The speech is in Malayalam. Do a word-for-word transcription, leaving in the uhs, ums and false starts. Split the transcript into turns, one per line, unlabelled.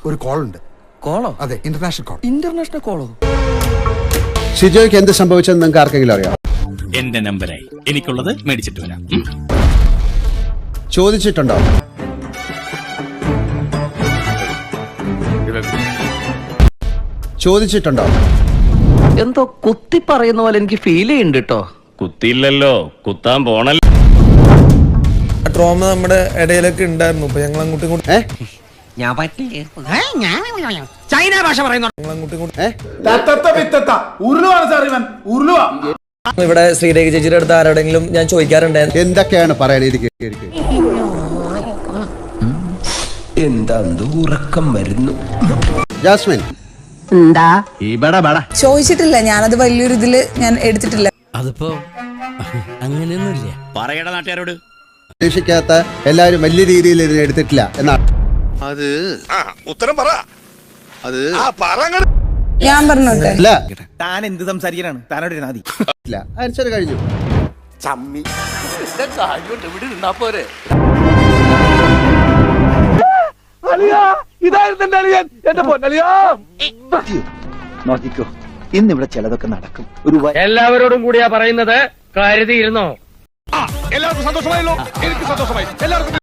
ഒരു കോൾ ഉണ്ട്.
കോളോ?
അതെ, ഇന്റർനാഷണൽ കോൾ.
ഇന്റർനാഷണൽ കോളോ?
ഷിജോയ്ക്ക് എന്ത് സംഭവിച്ചെന്ന് നിങ്ങൾക്ക് ആർക്കെങ്കിലും അറിയാം?
എന്റെ നമ്പറായി എനിക്കുള്ളത് മേടിച്ചിട്ട് വരാം.
ചോദിച്ചിട്ടുണ്ടോ? ചോദിച്ചിട്ടുണ്ടോ?
എന്തോ കുത്തി പറയുന്ന പോലെ എനിക്ക് ഫീൽ ചെയ്യുന്നുണ്ട് കേട്ടോ.
കുത്തിയില്ലല്ലോ, കുത്താൻ പോണല്ലോ.
ട്രോമ നമ്മുടെ ഇടയിലൊക്കെ ഉണ്ടായിരുന്നു. ഇപ്പൊ ഞങ്ങൾ അങ്ങോട്ടും ഇങ്ങോട്ടും
ഞാൻ ചൈന ഭാഷ പറയുന്നു.
ഇവിടെ ശ്രീരേഖ ചേച്ചിയുടെ അടുത്ത് ആരോടെങ്കിലും ഞാൻ ചോദിക്കാറുണ്ടായിരുന്നു
എന്തൊക്കെയാണ് പറയാൻ?
എന്താ ഉറക്കം വരുന്നു.
ജാസ്മിൻ
എന്താ ചോദിച്ചിട്ടില്ല, ഞാനത് വലിയൊരു ഇതില് ഞാൻ എടുത്തിട്ടില്ല.
അതിപ്പോ അങ്ങനെയൊന്നുമില്ല.
പറയട നാട്ടുകാരോട്.
പ്രതീക്ഷിക്കാത്ത എല്ലാവരും വലിയ രീതിയിൽ ഇതിനെ എടുത്തിട്ടില്ല എന്നാണ്.
അത് ഉത്തരം പറ. അത്
ഞാൻ പറഞ്ഞോട്ടെ.
ഇല്ല
താൻ എന്ത് സംസാരിക്കാനാണ്? താനോട് നാദി
ഇല്ല, ആൻസർ കഴിഞ്ഞു.
നോക്കിക്കോ, ഇന്നിവിടെ ചിലതൊക്കെ നടക്കും. ഒരു
എല്ലാവരോടും കൂടിയാ പറയുന്നത്, കരുതിയിരുന്നോ?
എല്ലാവർക്കും സന്തോഷമായല്ലോ. എനിക്ക് സന്തോഷമായി. എല്ലാവർക്കും